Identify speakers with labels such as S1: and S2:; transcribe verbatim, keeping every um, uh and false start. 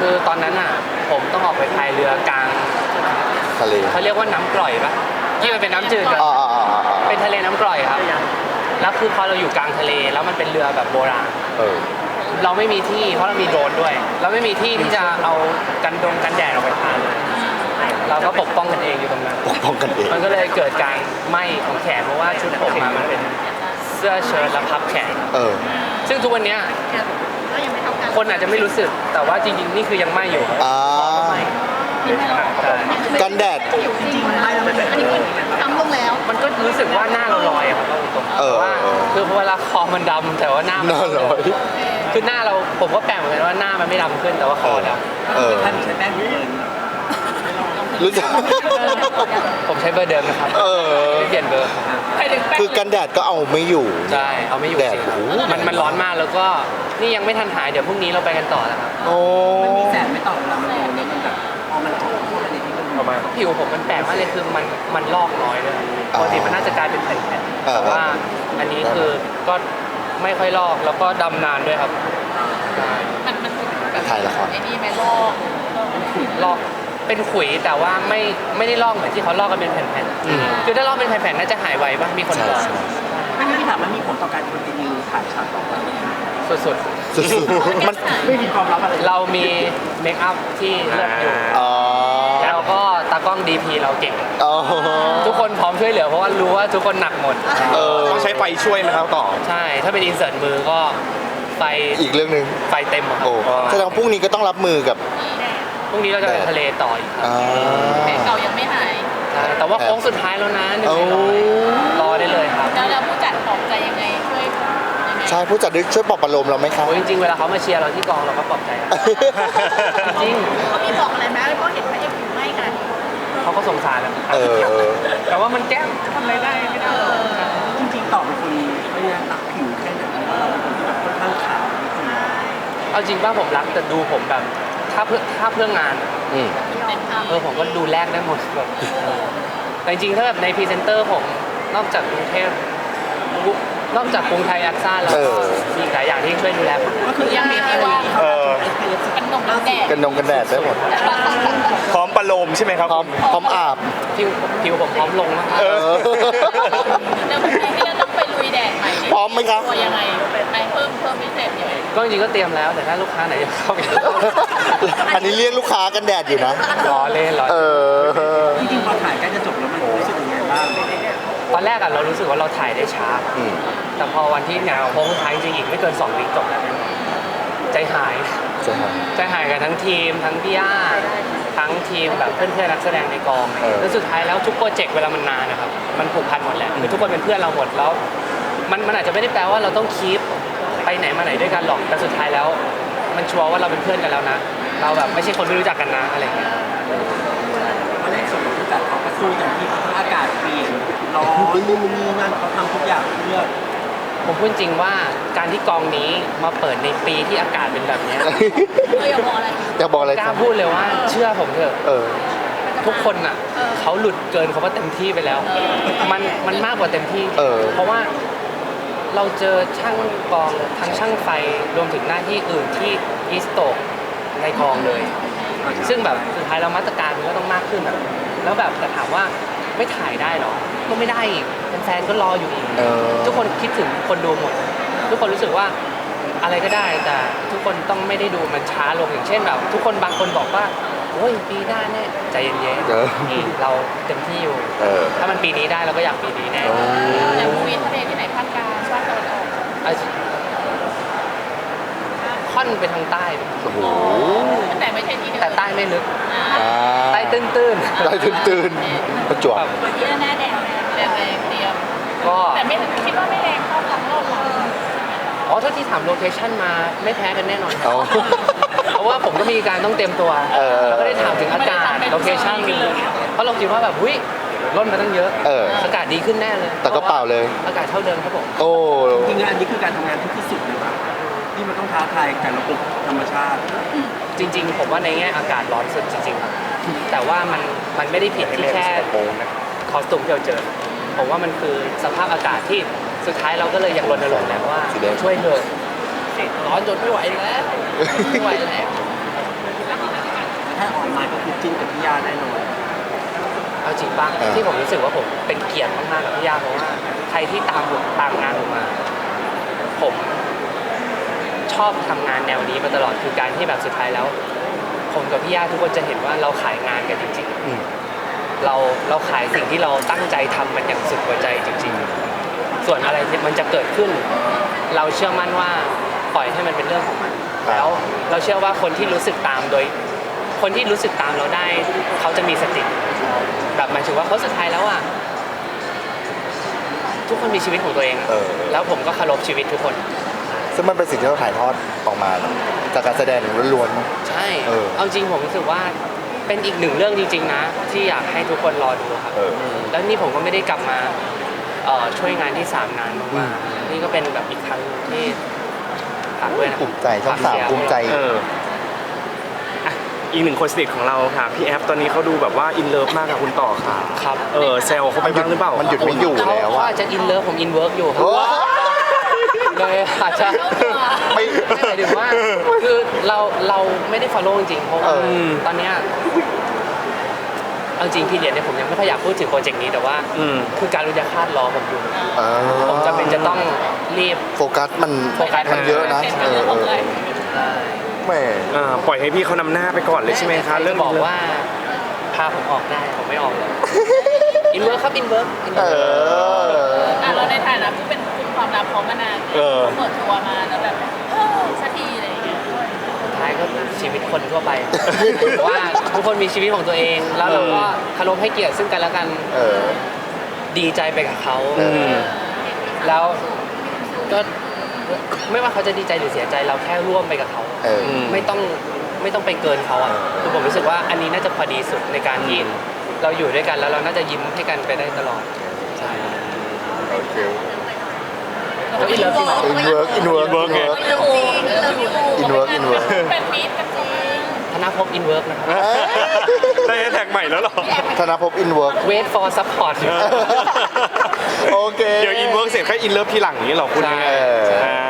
S1: คือตอนนั้นอ่ะผมต้องออกไปพายเรือกลาง
S2: ทะเล
S1: เขาเรียกว่าน้ำกร่อยปะที่มันเป็นน้ำจืดกัน
S2: อ๋ออ๋ออ๋ออ๋อ
S1: เป็นทะเลน้ำกร่อยครับแล้วคือพอเราอยู่กลางทะเลแล้วมันเป็นเรือแบบโบราณ
S2: เออ
S1: เราไม่มีที่เพราะเรามีโดรนด้วย เราไม่มีที่ที่จะเอากันดงกันแดดออกไปทานเลยเราก็ปกป้องกันเองอยู่ตรงนั้น
S2: ปกป้องกันเอง
S1: มันก็เลยเกิดการไหม้ของแขนเพราะว่าชุดผมมามันเป็นเสื้อเชิ้ตและพับแขน
S2: เออ
S1: ซึ่งทุกวันเนี้ยคนอาจจะไม่รู้สึกแต่ว่าจริงๆนี่คือยังไหม้อยู่
S2: อ่า
S1: ไหม้ใช่
S2: กันแดด
S3: จริงๆไม่แล้วมันอันนี้ทำลงแล้ว
S1: มันก็รู้สึกว่าหน้าเราลอยอะครับตรงๆ
S2: เออ
S1: แต่ว่าคือเวลาคอมันดำแต่ว่าหน้ามั
S2: น่าร้อย
S1: คือหน้าเราผมก็แปลกเหมือนกันว่าหน้ามันไม่ดำขึ้นแต่ว่าคอด
S2: เออ
S3: ท่านใช้แป้งเบิร์น
S2: รู้จัก
S1: ำผมใช้เบอร์เดิมนะครับ
S2: เออ
S1: ไม่เปลี่ยนเบอร์
S2: คือกันแดดก็เอาไม่อยู่
S1: ใช่เอาไม่อยู่
S2: แดด
S1: จริง
S2: โอ้โห
S1: มันมันร้อนมากแล้วก็นี่ยังไม่ทันหายเดี๋ยวพรุ่งนี้เราไปกันต่อแล้วครับ
S2: โอ้
S3: มันมีแสงไม่ต่อเวลามันโดนแล้วมันแบบพอมันโดนเข้าไปในนี้มัน
S1: ประมาณผิวผมมันแปลกมากเลยคือมันมันลอกน้อยเลยปกติมันน่าจะกลายเป็นแผ่นๆแต่ว่าอันนี้คือก็ไม่ค่อยลอกแล้วก็ดำนานด้วยครับใช่
S4: มันมันแบบ
S2: ถ่ายละคร
S4: ไอ้นี่ไหมลอก
S1: ลอกเป็นขุยแต่ว่าไม่ไม่ได้ลอกเหมือนที่เขาลอกกันเป็นแผ่น
S2: อืม
S1: ๆคือถ้าลอกเป็นแผ่นๆน่าจะหายไวป่ะมีคน
S2: ใช่
S1: บอก
S2: ใช่
S3: ไม่งั้นพี่ถามมันมีผลต่อการคอนติเนียถ่ายฉากต่อไป
S1: สุด
S2: สุดๆมัน
S3: ไม่มีความลับอะไร
S1: ๆเรามีเมคอัพที่เลิศอยู่
S2: อ๋อ
S1: แล้วก็ตากล้อง ดี พี เราเก่ง
S2: อ๋อ
S1: ทุกคนพร้อมช่วยเหลือเพราะว่ารู้ว่าทุกคนหนักหมด
S2: เออ
S5: ต้องใช้ไฟช่วยไหมครับต่อ
S1: ใช่ถ้าเป็นอินเสิร์ตมือก็ไฟ
S2: อีกเรื่องหนึ่ง
S1: ไฟเต็มอะครับ
S2: โอ้แสดงว่าพรุ่งนี้ก็ต้องรับมือกับ
S1: พรุ่งนี้เราจะไปทะเลต่ออีกครับ
S2: อ่า
S4: แผลเก่ายังไม่หาย
S1: ใช่แต่ว่าโค้งสุดท้ายแล้วนะหนึ่ง
S2: โอ้
S1: ในร้อยรอได้เลยครับ
S4: แล้วแล้วผู้จัดปลอบใจยังไงช่วยยังไง
S2: ใช่ผู้จัดช่วยปลอบประโลมเราไหมครับ
S1: โอ้ยจริงๆเวลาเขามาเชียร์เราที่กองเราก็ปลอบใจอะจริง
S4: เขามีบอกอะไรไหมเพราะเห็นพระเอกอยู่ไม่กัน
S1: เขาก็สงสารแหละ
S2: เออ
S1: แต่ว่ามันแก้มทำอะไรได้ไม่ได้
S3: จริงๆต่อเป็นคนไม่ได้ตักผิวแค่ไหนว่าเราเป็นคนที่แบบค่อนข้างขาวนิดนึง
S1: เอาจริงป่ะผมรักแต่ดูผมแบบถ้าเพื่อถ้าเพื่องาน
S2: อืม
S4: เต็มทาง
S1: เออผมก็ดูแลกได้หมดแบบแต่จริงๆถ้าแบบในพรีเซนเตอร์ผมนอกจากกรุงเทพนอกจากกรุงไทยแอคซ่าแล้ว
S2: เอ
S1: ก็
S2: อ
S1: มีอีกหลายอย่างที่ช่วยดูแลผม
S3: ก็คือยังมีที่ว่า
S5: เออ
S4: กันนมน้ำแดง
S2: กันนงกันแดดได้หมด
S5: พร้อมประโลมใช่ไหมครับ
S2: พร้อมพร้อมอาบ
S1: ผิวผิวผมพร้อมลงมาก
S2: เออ
S4: เดี๋ยวพรุ่งนี้ที่เราต้องไปลุยแดดใหม่
S2: พร้อมไหมครับ
S4: ตัวยังไงไปเพิ่มเพิ่มพิเศษยังไง
S1: ก็จริงๆก็เตรียมแล้วแต่ถ้าลูกค้าไหนจะเข้าไป
S2: อันนี้เรียกลูกค้ากันแดดอยู่นะ
S1: ล้อเล่นล้อ
S2: เอ
S1: เล่น
S2: อ
S3: จริงๆพอถ่ายใกล้จะจบแล้วมันรู้สึกยังไงบ้าง
S1: ตอนแรกอะเรารู้สึกว่าเราถ่ายได้ช้า
S2: อืม
S1: แต่พอวันที่งานโค้งสุดท้ายจริงๆอีกไม่เกินสองวิจบแล้วใจหาย
S2: ใช่ครับ
S1: ใจหายกันทั้งทีมทั้งพี่ย่าทั้งทีมแบบเพื่อนๆนักแสดงในกอง
S2: เออ
S1: แล้วสุดท้ายแล้วทุกโปรเจกต์เวลามันนานนะครับมันผูกพันหมดแหละคือทุกคนเป็นเพื่อนเราหมดแล้ว มันมันอาจจะไม่ได้แปลว่าเราต้องคีปไปไหนมาไหนด้วยกันหรอกแต่สุดท้ายแล้ว มันชัวร์ว่าเราเป็นเพื่อนกันแล้วนะ เราแบบไม่ใช่คนไม่รู้จักกันนะอะไรอย่างเงี้ย
S3: วันแรกส่วนผู้จัดเขาก็สู้อย่างที่อากาศเปลี่ยนร้อนนู่นนี่นั่นเขาทำทุกอย่างเพื่อ
S1: ผมพูดจริงว่าการที่กองนี้มาเปิดในปีที่อากาศเป็นแบบเนี้ย
S4: เอออย่าบอกอะไร
S2: อยากบอกอะไร
S1: ก
S2: ค
S1: ล้า
S2: รับ
S1: พูดเลยว่าเชื่อผมเถอะ
S2: เออ
S1: ทุกคนน่ะเขาหลุดเกินคำว่าเต็มที่ไปแล้ว มันมันมากกว่าเต็มที่
S2: เออ
S1: เพราะว่าเราเจอช่างกองทั้งช่างไฟรวมถึงหน้าที่อื่นที่อีสโตกในกองเลย ซึ่งแบบสุดท้ายเรามาตรการมันก็ต้องมากขึ้นอะแล้วแบบแต่ถามว่าไม่ถ่ายได้หรอ ก็ไม่ได้อีกแฟนๆก็รออยู่อีก
S2: เออ
S1: ทุกคนคิดถึงคนดูหมด ทุกคนรู้สึกว่าอะไรก็ได้แต่ทุกคนต้องไม่ได้ดูมันช้าลงอย่างเช่นแบบ ทุกคนบางคนบอกว่าโอ้ยปีหน้าแน่ใจเย็น
S2: เออ
S1: ๆนี่เราเต็มที่อยู่
S2: เออ
S1: ถ้ามันปีนี้ได้เราก็อยากปีนี้แน่
S2: โอ้
S4: แต่มูวีทะเลที่ไหนภาคกลางภาคตะวันออก
S1: อ่ะค่อนไปทางใต้
S2: โอ้โห
S4: แต่ไม่ใช่ที่เดิม
S1: แต่ใต้ไม่ลึก
S4: อ่า
S2: อ่า
S1: ใต้ตื้นๆ
S2: ใต้ตื่นๆประจวบ
S1: แบบ
S4: ที่หน้าแดงแดงแดงเตรียม
S1: ก็
S4: แต่ไม่คิดว่าไม่แรงเท่ากับโลกหรอก
S1: อ๋อถ้าที่ถามโลเคชั่นมาไม่แพ้กันแน่นอนครับ
S2: เอา
S1: เพราะว่าผมก็มีการต้องเตรียมตัว
S2: เออ
S1: แล้วก็ได้ถามถึงอากาศโลเคชั่นเพราะเราคิดว่าแบบหุ้ยลดมาตั้งเยอะ
S2: เออ
S1: อากาศดีขึ้นแน่เลย
S2: แต่ก็เปล่าเลย
S1: อากาศเท่าเดิมครับผม
S2: โอ้
S3: จริงๆอันนี้คือการทำงานที่ที่สุดเลยป่ะที่มันต้องท้าทายกับระบบธรรมชาติ
S1: จริง ๆ ผมว่าในแง่อากาศร้อนสุดจริงๆครับแต่ว่ามันมันไม่ได้ผิดที่แค่คอสตูมที่เราเจอผมว่ามันคือสภาพอากาศที่สุดท้ายเราก็เลยยังรณรงค์แล้วว่า
S2: สีแดง
S1: ช่วยเถอะร้อนจนไม่ไหวแล้วไม่ไหวแล้ว
S4: แล้ว
S3: ถ้าออกมาก็คือจิ้นกับพี่ย่าแน่นอน
S1: เอาจริงป่ะ
S2: เออ
S1: ที่ผมรู้สึกว่าผมเป็นเกียรติมากๆกับพี่ย่าเพราะว่าใครที่ตามผมตามงานผมมา ผมชอบทำงานแนวนี้มาตลอดคือการที่แบบสุดท้ายแล้ว ผมกับพี่ย่าทุกคนจะเห็นว่าเราขายงานกันจริง
S2: อืม
S1: ๆ เราเราขายสิ่งที่เราตั้งใจทำมันอย่างสุดหัวใจจริง ๆ ส่วนอะไรที่มันจะเกิดขึ้น เราเชื่อมั่นว่าปล่อยให้มันเป็นเรื่องของมัน
S2: ครับ
S1: แล้วเราเชื่อว่าคนที่รู้สึกตามโดย คนที่รู้สึกตามเราได้ เขาจะมีสติแบบหมายถึงว่าเขาสุดท้ายแล้วอ่ะทุกคนมีชีวิตของตัวเองอะ
S2: เออ
S1: แล้วผมก็เคารพชีวิตทุกคน
S2: ซึ่งมันเป็นสิ่งที่เราถ่ายทอดออกมาจากการแสดงล้วน
S1: ใช่
S2: เออ
S1: เอาจริงผมรู้สึกว่าเป็นอีกหนึ่งเรื่องจริง ๆ นะ ที่อยากให้ทุกคนรอดูครับ
S2: เออ
S1: แล้วนี่ผมก็ไม่ได้กลับมาเอ่อช่วยงานที่สามนาน
S2: อื
S1: มาม กๆนี่ก็เป็นแบบอีกครั้งที่ฝากด้วยนะ
S2: ภูมิใจช่องสาม
S1: ฝกเชียร์
S2: ภูมิใจ
S5: เอออ่ะอีกหนึ่งคนสนิทของเราค่ะพี่แอฟตอนนี้เขาดูแบบว่าอินเลิฟมากกับคุณต่อค่ะ
S1: ครับ
S5: เออแซวเขาไปบ้างหรือเปล่า
S2: มันหยุดไม่อยู่
S1: เขา
S2: แล้ว
S1: เขา
S2: อะ
S1: อาจจะอินเลิฟผมอินเวิร์กอยู่ครับ
S2: โอ้
S1: เลยอาจจะ
S2: ไม่
S1: ไม่หมายถึงว่าคือเราเราไม่ได้ follow จริงๆเพราะว่า
S2: เออ
S1: ตอนเนี้ยเอาจริงพี่เรียนเนี่ยผมยังไม่ค่อยอยากพูดถึงโปรเจกต์นี้แต่ว่า
S5: อืม
S1: คือการรุญยฆาตรอผมอยู่
S2: อ่า
S1: ผมจำเป็นจะต้องรีบ
S2: โฟกัสมัน
S1: โฟกัส
S2: มันเยอะนะ
S4: เป็น
S2: เอ
S4: เรื่
S2: อ
S4: อง
S2: เอ
S4: ของ
S2: อ
S4: เลย
S2: แหม่
S5: อ่าปล่อยให้พี่เขานำหน้าไปก่อนเลยใช่ไหมคะ
S1: เรื่
S5: เรื่
S1: อ
S5: อง ง
S1: บอกว่าพาผมออกได้ผมไม่ออกเลยอินเวิร์กครับอินเวิร์ก
S2: เออ
S4: อ่ะเราในฐานะผู้เป็นกลุ่มความลับเขามานาน
S5: เออ
S4: เปิดตัวมาแล้วแบบเออสักทีอะไรอย่างเงี้ย
S1: ท้ายก็ชีวิตคนทั่วไป ว่าทุกคนมีชีวิตของตัวเอง แล้วเราก็เคารพให้เกียรติซึ่งกันและกัน
S2: เออ
S1: ดีใจไปกับเขา
S2: เออ
S1: แล้วก็ไม่ว่าเขาจะดีใจหรือเสียใจเราแค่ร่วมไปกับเขา
S2: เออ
S5: ม
S1: ไม่ต้องไม่ต้องไปเกินเขาอ่ะ
S2: เออ
S1: คือผมรู้สึกว่าอันนี้น่าจะพอดีสุดในการที่เราอยู่ด้วยกันแล้วเราน่าจะยิ้มให้กันไปได้ตลอดใช่
S2: โอเค
S1: แล้วอินเลิฟจริงเหรอ
S2: อินเวิร์กอินเวิร์ก
S5: work ไง
S2: อินเวิร์กอินเวิร์ก
S4: เป็นมิตรกันจริง
S1: ธนภพอินเวิร์กนะครับ
S5: ได้แฮชแท็กใหม่แล้วเหรอ
S2: ธนภพอินเวิร์ก
S1: wait for support
S2: โอเค
S5: เดี๋ยวอินเวิร์กเสร็จแค่อินเลิฟทีหลังนี้เหรอคุณ
S1: ใช่
S5: ยังไง
S2: เออ
S5: อ่า